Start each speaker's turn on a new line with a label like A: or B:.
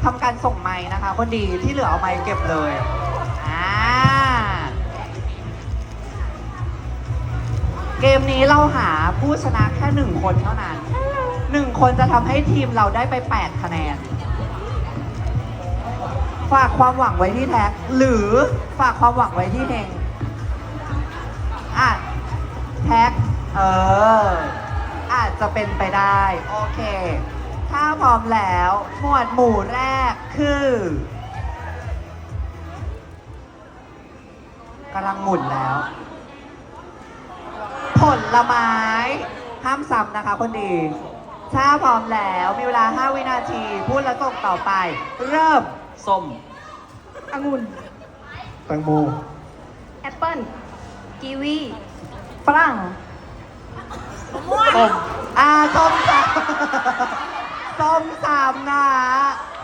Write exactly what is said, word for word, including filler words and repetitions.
A: ำการส่งไม้นะคะคนดีที่เหลือเอาไม้เก็บเลยอ่าเกมนี้เราหาผู้ชนะแค่หนึ่งคนเท่านั้นหนึ่งคนจะทำให้ทีมเราได้ไปแปดคะแนนฝากความหวังไว้ที่แท็กหรือฝากความหวังไว้ที่เฮงอ่ะแท็กเอออาจจะเป็นไปได้โอเคถ้าพร้อมแล้วหมวดหมู่แรกคือกำลังหมุนแล้ว ผลไม้ห้ามซ้ำนะคะคนดีถ้าพร้อมแล้วมีเวลาห้าวินาทีพูดแล้วส่งต่อไป เริ่ม
B: ส้ม
C: องุ่น
D: แตงโม
C: แอปเปิ้ลกีวีฝรั่ง
B: ส้ม
A: อ่าส้มสามส้มสามนะ